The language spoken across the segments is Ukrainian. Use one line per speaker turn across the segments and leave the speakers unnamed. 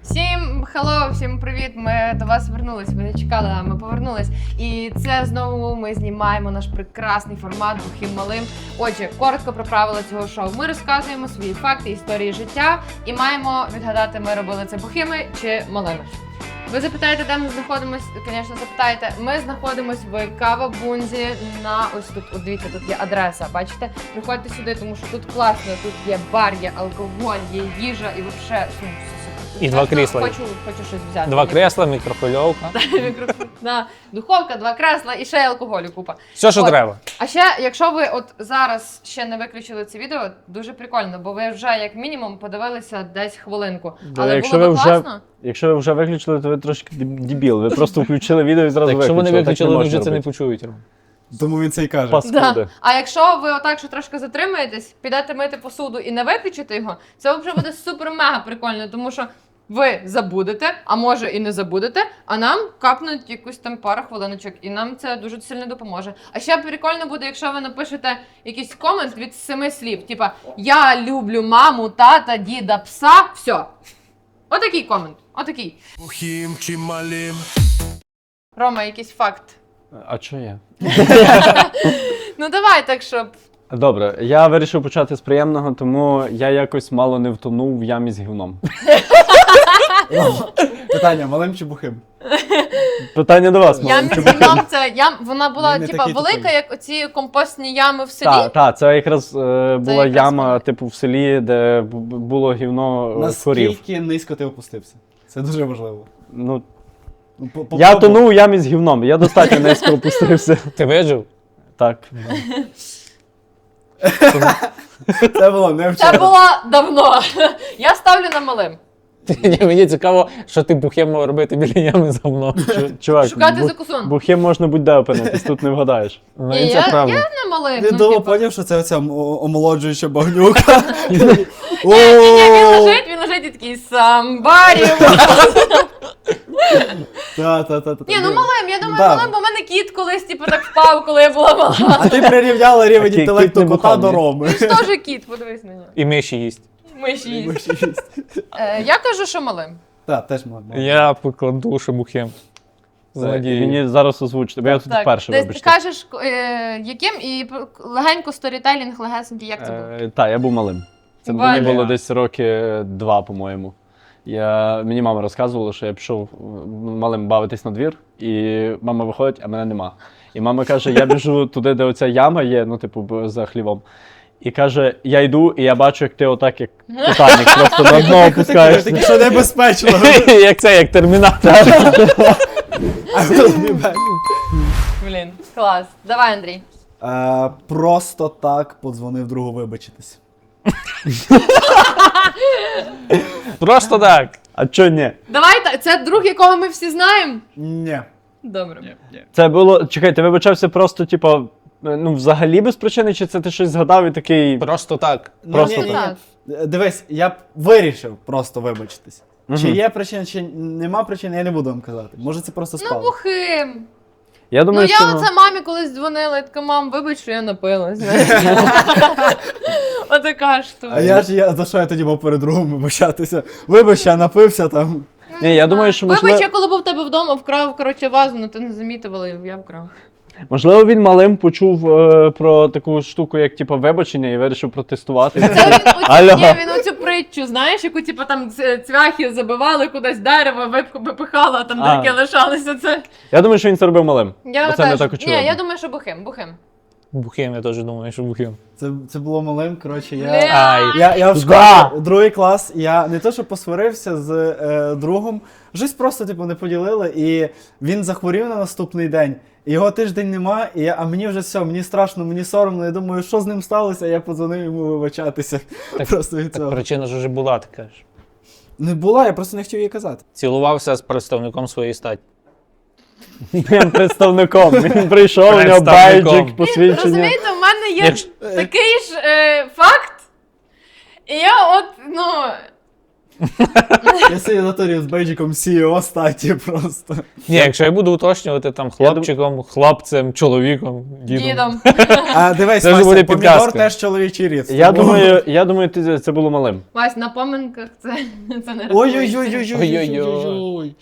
Всім хеллоу, всім привіт! Ми до вас вернулись. Ви не чекали, а ми повернулись. І це знову ми знімаємо наш прекрасний формат «Бухим малим». Отже, коротко про правила цього шоу. Ми розказуємо свої факти, історії життя і маємо відгадати, ми робили це бухими чи малими. Ви запитаєте, де ми знаходимося? Звісно, запитаєте. Ми знаходимося в Кава-Бунзі на ось тут. От дивіться, тут є адреса. Бачите? Приходьте сюди, тому що тут класно. Тут є бар, є алкоголь, є їжа і взагалі супер.
І два крісла.
Хочу щось взяти.
Два кресла, мікрохвильовка.
Духовка, два кресла і ще й алкоголю купа.
Все, що треба.
А ще, якщо ви от зараз ще не виключили це відео, дуже прикольно, бо ви вже як мінімум подивилися десь хвилинку. Але
якщо
було б
ви
класно.
Якщо ви вже виключили, то ви трошки дебіл. Ви просто включили відео і зразу
Якщо
виключили.
вони виключили, вони
Так не
вже це не
можна
почують.
Тому він це і каже.
Паскуди.
Да. А якщо ви отак, що трошки затримаєтесь, підете мити посуду і не виключите його, це вже буде супер-мега прикольно, тому що ви забудете, а може і не забудете, а нам капнуть якусь там пару хвилиночок, і нам це дуже сильно допоможе. А ще прикольно буде, якщо ви напишете якийсь комент від 7 слів, типа «Я люблю маму, тата, діда, пса», все. Отакий комент, отакий.
Бухим чи малим.
Рома, якийсь факт.
А що я?
Ну давай так, щоб...
Добре, я вирішив почати з приємного, тому я якось мало не втонув в ямі з гівном.
Питання, малим чи бухим?
Питання до вас,
Ям
малим.
з гівном, це вона була
Він не
типа
такий
велика,
тупий.
як оці компостні ями в селі.
Так, це якраз була
якраз
яма,
вона.
типу, в селі, де було гівно корів.
Наскільки низько ти опустився? Це дуже важливо.
Ну,
Ну,
я тонув у ямі з гівном, я достатньо низько опустився.
Ти вижив?
Так.
Це було не
Це
вчора.
було давно. Я ставлю на малим.
Ні, мені цікаво, що ти бухим мав робити біля ями за мною.
Чувак,
Шукати закусон.
бухим можна будь-де опинитись, тут не вгадаєш.
Ну,
Ні,
і це
я
правда.
на малим.
Він
ну,
довго
типа.
поняв, що це оця омолоджуюча багнюка.
Ні, він лежить і такий самбарі.
Та.
Ні, ну малим, я думаю,
Да.
малим, бо в мене кіт колись типу так впав, коли я була мала.
А ти прирівняла рівень
Такий
інтелекту
кіт не
кота
бухав,
до
ні?
Роми.
Він ж теж кіт, подивись на нього.
І миші їсть.
Миші їсть. Я кажу, що малим.
Так, теж малим.
Я покладу, що бухим. З надією.
Мені зараз озвучити, бо я тут вперше,
Десь ти
вибачте.
кажеш, яким, і легенько сторітелінг, легесенький, як це було?
Так, я був малим. Це
Бля.
мені було десь роки 2, по-моєму. Мені мама розказувала, що я пішов малим бавитись на двір, і мама виходить, а мене нема. І мама каже, я біжу туди, де оця яма є, ну, типу, за хлівом. І каже, я йду, і я бачу, як ти отак, як Титанік, просто на дно
Таке,
опускаєшся.
що небезпечно.
Як це, як термінатор.
Блін, клас. Давай, Андрій.
Просто так подзвонив другу вибачитись.
Просто так.
А чо ні?
Давай, це друг, якого ми всі знаємо?
Ні.
Добре.
Це було, чекай, ти вибачався просто, типу, ну, взагалі без причини, чи це ти щось згадав і такий...
Просто так.
Просто
ні.
так.
Дивись, я б вирішив просто вибачитись.
Мгм.
Чи є причина, чи нема причини, я не буду вам казати. Може це просто
Ну,
спало.
бухим.
Я
Ну,
думаю,
я
що...
оце мамі колись дзвонила, і така, мам, вибач, що я напилась. знаєш. Отака штука.
А за що я тоді мав перед другом вибачатися? Вибач, я напився там.
Ні, я думаю, що можливо...
Вибач, я коли був в тебе вдома, вкрав, коротше, вазу, але ти не замітив, але я вкрав.
Можливо, він малим почув про таку штуку, як типу, вибачення, і вирішив протестувати.
Це
Алло.
він оцю притчу, знаєш, яку типу там цвяхи забивали кудись дерево, випихало, а там
А.
таке лишалося це.
Я думаю, що він це робив малим.
Я
Бо це не
теж.
так
Ні,
очевидно.
я думаю, що бухим.
Бухим, я теж думаю, що бухим.
Це було малим, коротше,
Ай.
я в школі,
Да.
другий клас, я не то, що посварився з другом, щось просто, типу, не поділили, і він захворів на наступний день, і його тиждень нема, а мені вже все, мені страшно, мені соромно, я думаю, що з ним сталося, я подзвонив йому вибачатися. Просто від
Так
цього.
причина ж вже була, ти кажеш.
Не була, я просто не хотів їй казати.
Цілувався з представником своєї статі.
Прям представником. Він прийшов, у нього
Представником.
байджик, посвідчення.
Розумієте, в мене є
Якщо-
такий ж факт, і я от, ну,
Я сидів на турі з бейджиком CEO статі просто.
Ні, якщо я буду уточнювати там хлопчиком, хлопцем, чоловіком, дідом.
Дідом.
А дивись,
Це вже буде
Вася, помідор
підказка.
теж чоловічий рід.
Я думаю, це було малим.
Вась, на поминках це не рахується.
Ой-ой-ой-ой-ой-ой-ой-ой.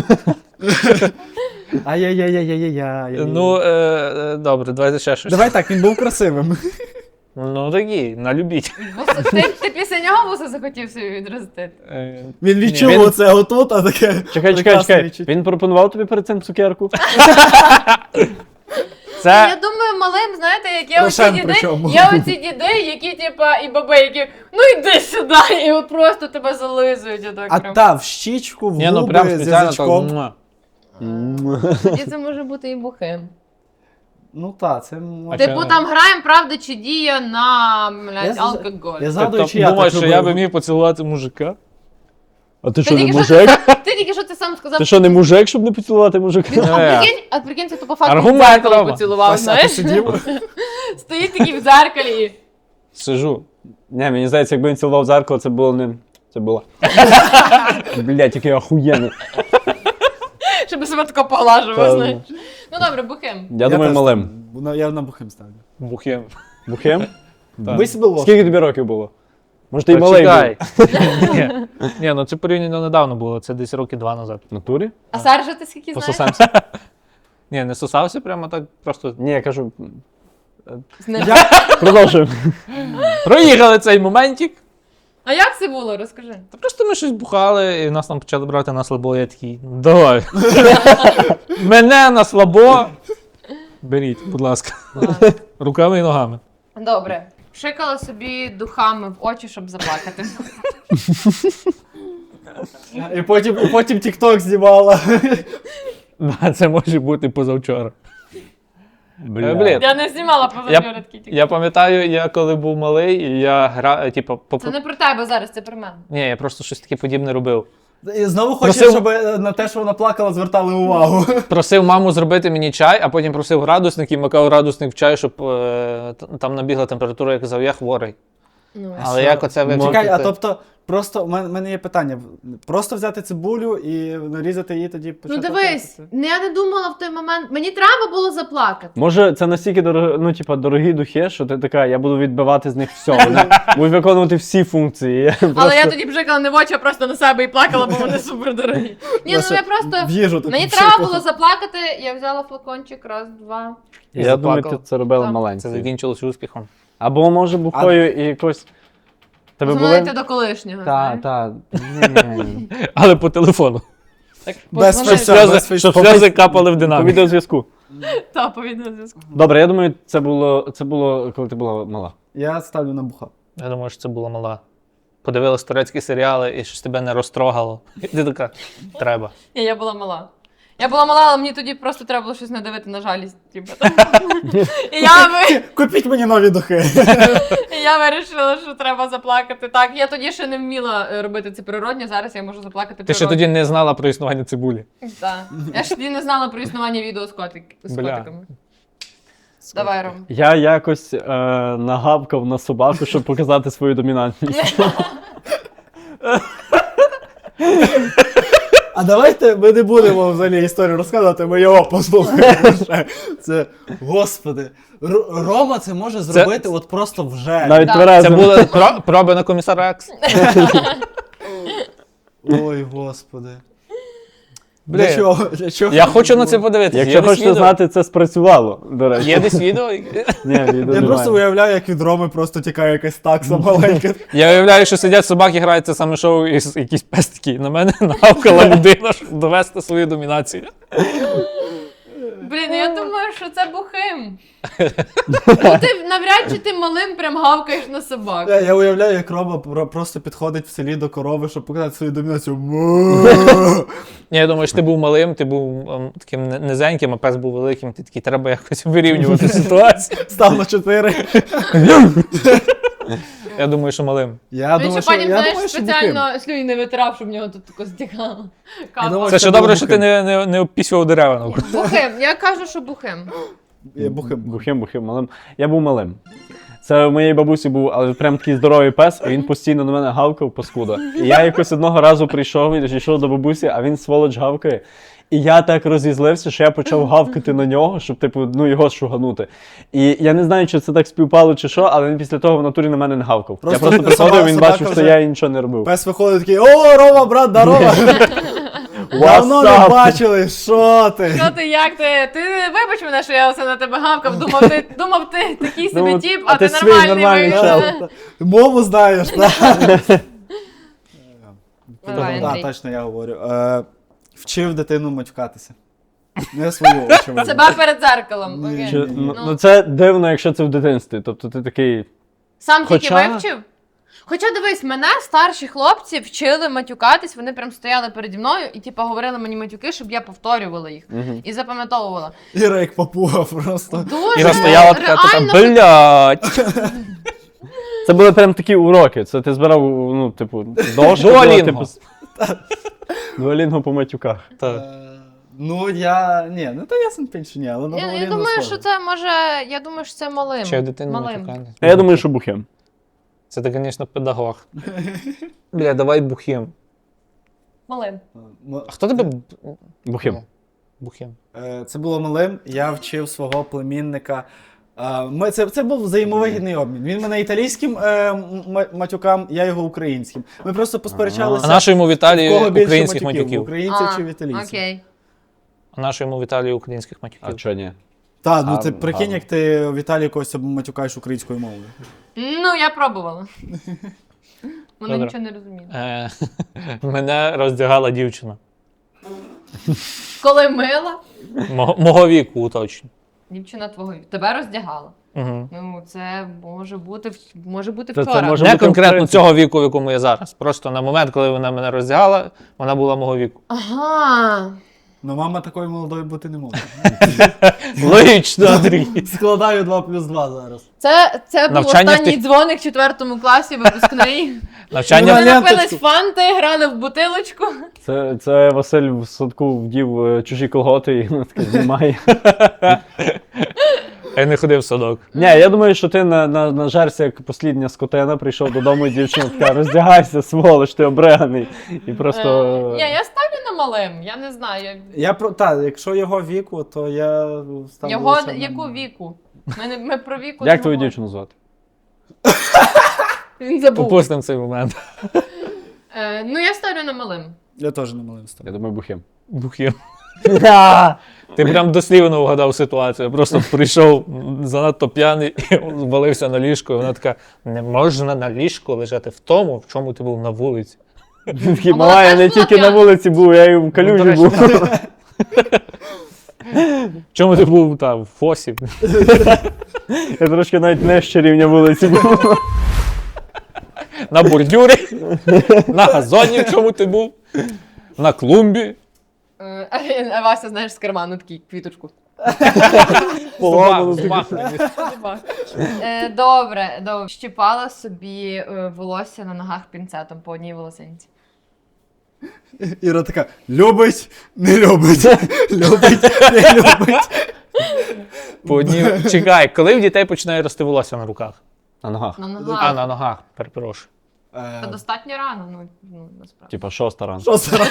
Ай-яй-яй-яй-яй-яй.
Ну, добре, давайте ще щось.
Давай так, він був красивим.
Ну такі, налюбіть.
Ти після нього вуса захотів собі відростити?
Він відчув
Ні, він-
оце отут, а таке. прекрасне відчуття.
Він пропонував тобі перед цим цукерку?
Я
Це
думаю, малим, знаєте, як є оці
Рошен
діди,
причому.
є оці діди, які, типа, і баби, які, ну йди сюди, і от просто тебе зализують, отак
А
прям.
та, в щічку, в
ні, ну прям
губи, з
спеціально так.
язичком.
Тоді це може бути і бухим.
Ну та, це може.
А
Типу
чого?
там граємо правда чи дія на, блядь,
Я
алкоголь.
Я згадую,
Тобто,
чи я
думаєш,
так
що я би
робив.
міг поцілувати мужика?
А ти
Ти
що, не
тільки що
мужик?
ти тільки що ти сам сказав.
Ти що, не мужик, щоб не поцілувати мужика?
А прикинь, це по факту в
Аргумент
дзеркало
Рома.
поцілував,
Вася, ти
знаєш?
сидів?
Стоїть такий в дзеркалі і...
Сижу.
Ні, мені здається, якби він цілував зеркало, це було не... Це було. Блять, який охуєнний.
Щоб себе тако поглажував,
Та,
знаєш. Ну добре, бухим.
Я думаю,
теж
малим.
там, Я на бухим ставлю.
Бухим.
Бухим?
Так.
Ми себе ложку.
Скільки тобі років було? Може, ти й малий був?
Почекай. Ні, ну це порівняно недавно було, це десь роки 2 назад.
В натурі?
А Саржа ти скільки знаєш?
Пососемся. Ні, не сосався прямо так, просто
Ні, я кажу,
З ним.
продовжуємо.
проїхали цей моментик.
А як це було? Розкажи.
Та просто ми щось бухали, і нас там почали брати на слабо, я такий, давай. Мене на слабо. Беріть, будь ласка. Руками і ногами.
Добре. Шикала собі духами в очі, щоб заплакати.
І потім TikTok знімала.
Да, це може бути позавчора.
Бля.
Блін.
Я не знімала позавчора такі тільки.
Я пам'ятаю, я коли був малий, і я грав, типу,
Це не про тебе зараз, це про мене.
Ні, я просто щось таке подібне робив.
І знову хочеш,
Просив-
щоб на те, що вона плакала, звертали увагу.
Просив маму зробити мені чай, а потім просив градусник і макав градусник в чай, щоб там набігла температура, я казав, я хворий.
Ну,
Але як оце вивчити?
Чекай, а тобто, просто в мене є питання. Просто взяти цибулю і нарізати її тоді
ну
почати
дивись,
плакати?
я не думала в той момент. Мені треба було заплакати.
Може, це настільки дорогі духи, що ти така, я буду відбивати з них все. Вони будуть виконувати всі функції. Я
Але
просто-
я тоді бжикала не в очі, а просто на себе і плакала, бо вони супер дорогі. Ні, ну я просто.
В їжу таку
Мені
пшикала.
треба було заплакати, я взяла флакончик, раз, два.
І
Я думаю,
заплакав.
ти це робила
Так.
Це
маленькою.
закінчилось успіхом.
Або може бухою і якось. Тебе
Дзвонити
були?
до колишнього.
Так,
знаєш.
так.
Але по телефону.
Без
Подзвонити.
фейса. без
Щоб
фейс-
сльози капали в
По
динаміку.
відеозв'язку.
Та, по відеозв'язку.
Добре, я думаю, це було, коли ти була мала.
Я ставлю на буха.
Я думаю, що це було мала. Подивилась турецькі серіали і щось тебе не розтрогало. І ти така, треба.
Ні, я була мала. Я була мала, але мені тоді просто треба було щось надавити на жалість. Типу.
Купіть мені нові духи.
І я вирішила, що треба заплакати. Так, я тоді ще не вміла робити це природньо, зараз я можу заплакати
Ти ще
природньо.
тоді не знала про існування цибулі.
Так. Я ж тоді не знала про існування відео з з
Бля.
котиками. Давай, Ром.
Я якось нагавкав на собаку, щоб показати свою домінантність.
А давайте ми не будемо взагалі історію розказувати, ми його послухаємо. ще. Це, господи, Рома це може зробити от просто вже.
Навіть
Да.
Це
тверезим.
були проби на комісара Екс.
Ой, господи.
Блін.
Для чого? Для чого?
Я хочу на це подивитися.
Якщо хочете знати, це спрацювало, до речі.
Є десь відео?
Ні, відео
Я
немає.
просто уявляю, як від Роми просто тікає якась такса маленька.
Я уявляю, що сидять собаки, грають це саме шоу, і якісь пес такий на мене нагавкала людина, щоб довести свою домінацію.
Блін, ну я думаю, що це бухим. Ну ти навряд чи ти малим прям гавкаєш на собак.
Я уявляю, як Рома просто підходить в селі до корови, щоб показати свою домінацію.
Ні, я думаю, що ти був малим, ти був таким низеньким, а пес був великим, ти такий, треба якось вирівнювати ситуацію.
Став на 4.
Я думаю, що малим.
Я
Він
думаю,
ще потім, знаєш,
що бухим.
спеціально слюні не витирав, щоб в нього тут тако стікало.
думаю,
Це
це
ще добре,
було
що ти не обпісював дерева навколо.
Бухим, я кажу, що бухим.
Я бухим.
Бухим, малим. Я був малим. Це у моєї бабусі був, але прям такий здоровий пес, і він постійно на мене гавкав, паскуда. І я якось одного разу прийшов і йшов до бабусі, а він сволоч гавкає. І я так розізлився, що я почав гавкати на нього, щоб, типу, ну, його шуганути. І я не знаю, чи це так співпало, чи що, але він після того в натурі на мене не гавкав. Я просто приходив, він
собака
бачив, що
вже-
я нічого не робив.
Пес виходить такий: о, Рома, брат, здорово! Давно не
What's up?
бачили, що ти?
Що ти, як ти? Ти вибач мене, що я оце на тебе гавкав, думав ти такий собі
Ну,
тіп,
а
а ти
ти свій
нормальний
нормальний
виявився.
Мову знаєш, так?
Давай,
Так,
Андрій.
точно я говорю. Вчив дитину матюкатися. Не свою, очевидно.
Себе перед зеркалом.
Ні,
Окей.
ні.
Ну, це дивно, якщо це в дитинстві. Тобто ти такий.
Сам тільки
Хоча-
вивчив? Хоча дивись, мене старші хлопці вчили матюкатись, вони прям стояли переді мною і типу говорили мені матюки, щоб я повторювала їх і запам'ятовувала.
Іра як папуга просто.
Дуже
Іра стояла така,
реально
блядь.
Це були прям такі уроки. Це ти збирав, ну, типу, дошку.
Дуолінго.
Типу, Дуолінго по матюках.
Так.
Ну, я. Ні, ну то ясен пень, що ні, але на
Я
Волині
думаю,
схоже.
що це може. Я думаю, що це малим.
Ще дитину
малим.
матюкати.
А я думаю, що бухим.
Це ти, звісно, педагог. Бля, давай бухим.
Малим.
А хто тебе
Бухим.
бухим?
Це було малим, я вчив свого племінника. Це був взаємовигідний обмін. Він мене італійським матюкам, я його українським. Ми просто посперечалися.
А нашу йому в
в
Італії
кого більше
українських
матюків,
матюків.
українців чи в італійців.
Окей.
А нашу йому в Італії українських
А
матюків.
чого ні?
Так, ну
А,
ти прикинь,
гарно.
як ти в Італії когось матюкаєш українською мовою.
Ну, я пробувала. Вона
Добре.
нічого не розуміла.
Мене роздягала дівчина.
Коли мила,
Мого віку, уточню.
дівчина твого тебе роздягала.
Угу.
Ну, це може бути
Це
вчора.
може
Не
бути
конкретно
українською.
цього віку, в якому я зараз. Просто на момент, коли вона мене роздягала, вона була мого віку.
Ага.
Ну, мама такою молодою бути не може.
Логічно, Андрій.
Складаю 2+2 зараз.
Це був
Навчання в
останній
тих-
дзвоник в 4 класі, випускний.
Навчання
Ми
Вона
напились
ленточку.
фанти, грали в бутилочку.
Це Василь в садку вдів чужі колготи і вона таке знімає.
я не ходив в садок.
Ні, я думаю, що ти нажерся як послідня скотина, прийшов додому, і дівчина така, роздягайся, сволоч, ти обреганий. І просто...
Ні, я ставлю на малим, я не знаю.
Так, якщо його віку, то я ставлю.
Його
лише на-
яку віку? Ми про віку
Як
не
твою
говоримо.
дівчину звати?
Він забув.
Попустимо цей момент.
Ну, я ставлю на малим.
Я теж не малим ставлю.
Я думаю, бухим.
Бухим. Ти прям дослівно вгадав ситуацію. Я просто прийшов занадто п'яний і звалився на ліжко. І вона така: не можна на ліжку лежати в тому, в чому ти був на вулиці.
Він такий,
А вона
мала, я
теж
не
була
тільки на
п'яна?
вулиці був, я і в
Ну,
калюжі
до речі,
був.
В чому ти був там, в фосі?
Я трошки навіть нижче рівня вулиці був.
На бордюрі, на газоні, в чому ти був, на клумбі.
А Вася, знаєш, з карману такий квіточку.
Поламано.
Добре. Щіпала собі волосся на ногах пінцетом по одній волосинці.
Іра така: любить, не любить, любить, не любить.
По одній... Чекай, коли в дітей починає рости волосся на руках?
На ногах.
На
А,
ногах.
на ногах, перепрошую.
Та достатньо рано, ну насправді.
Типа 6 ранку.
Що це?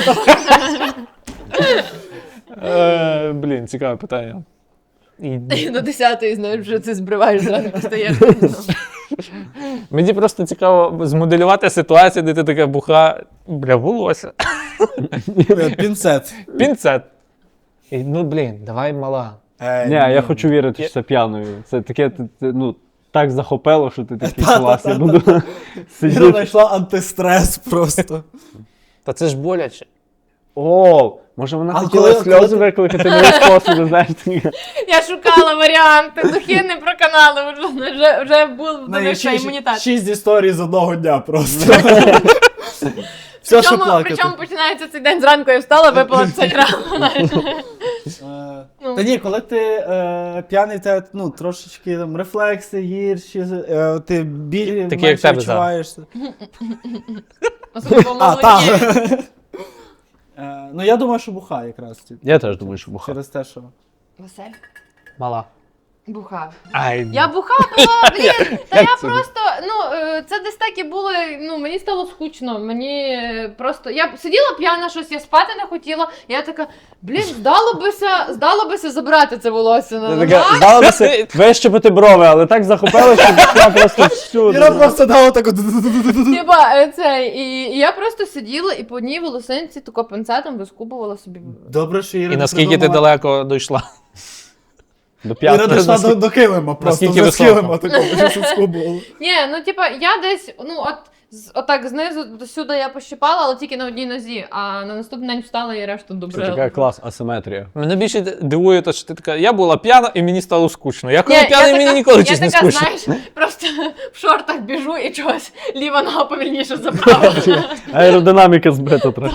Блін, цікаве питання. І...
До 10-ї, знаєш, вже ти збриваєш зранку, стаєш.
Мені просто цікаво змоделювати ситуацію, де ти така буха, бля, волосся.
Пінцет.
Пінцет. І, ну, блін, давай мала.
Ні, я хочу вірити, що це п'яною. Це таке, ну, так захопило, що ти такий клас, я буду
Іра
сидіти.
знайшла антистрес просто.
Та це ж боляче.
О, може вона
А
хотіла
коли
сльози
ти-
викликати нові способи, знаєш, такі.
Я шукала варіанти, духи не проканали, вже був довища імунітет.
6 історій з одного дня просто. Все, що плакати.
Причому починається цей день зранку, я встала, випила цей рано.
Та ні, коли ти п'яний, те, ну, трошечки там рефлекси гірші, ти біль
Такі, як
менше
тебе
відчуваєш.
Особливо
А, так.
молоді.
Ну, я думаю, що буха якраз.
Я теж думаю, що буха.
Через те, що...
Василь.
Мала.
Бухав.
Ай,
Я бухала, блін, та
Як
я
це?
просто, це десь так і було, мені стало скучно, мені просто, я сиділа п'яна щось, я спати не хотіла, я така, блін, здало бися забрати це волосся,
Ти така, здалося вищепити брови, але так захопилося, що я просто всюди.
Іра просто дала таку.
Типа, і я просто сиділа і по одній волосинці тако пинцетом вискубувала собі.
Добре, що Іра
і
не
наскільки ти
придумала-
далеко дійшла?
До
Іра
п'ятого.
дійшла до килима, просто
Наскільки
вже з
високо?
килима такого, що суску було.
Ні, я десь, отак знизу до сюди я пощипала, але тільки на одній нозі, а на наступний день встала і решту
Це
добре.
така клас асиметрія.
Мене більше дивує те, що ти така, я була п'яна і мені стало скучно. Я коли
Ні,
п'яний, мені ніколи щось не
Я така,
скучно.
знаєш, просто в шортах біжу і чогось ліва нога повільніше заправила.
Аеродинаміка збита трохи.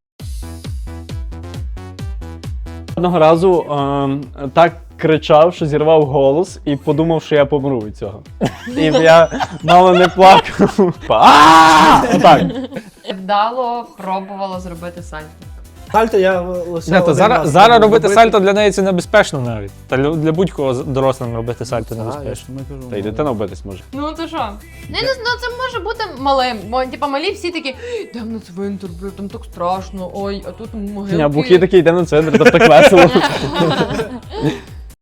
Одного разу так кричав, що зірвав голос і подумав, що я помру від цього. І я мало не плакав. Отак.
Вдало пробувала зробити сальто.
Сальто я лише
Ні, то
один раз
зараз робити
зробити.
сальто для неї це небезпечно навіть. Та для будь-кого дорослим робити сальто
Так, я
небезпечно.
ж не кажу.
Та й дитина вбитись може.
Ну то що? Це може бути малим, бо типа малі всі такі, йдемо на цвинтар, там так страшно, ой, а тут могилки.
А Бухі такий йде на центр, там так весело.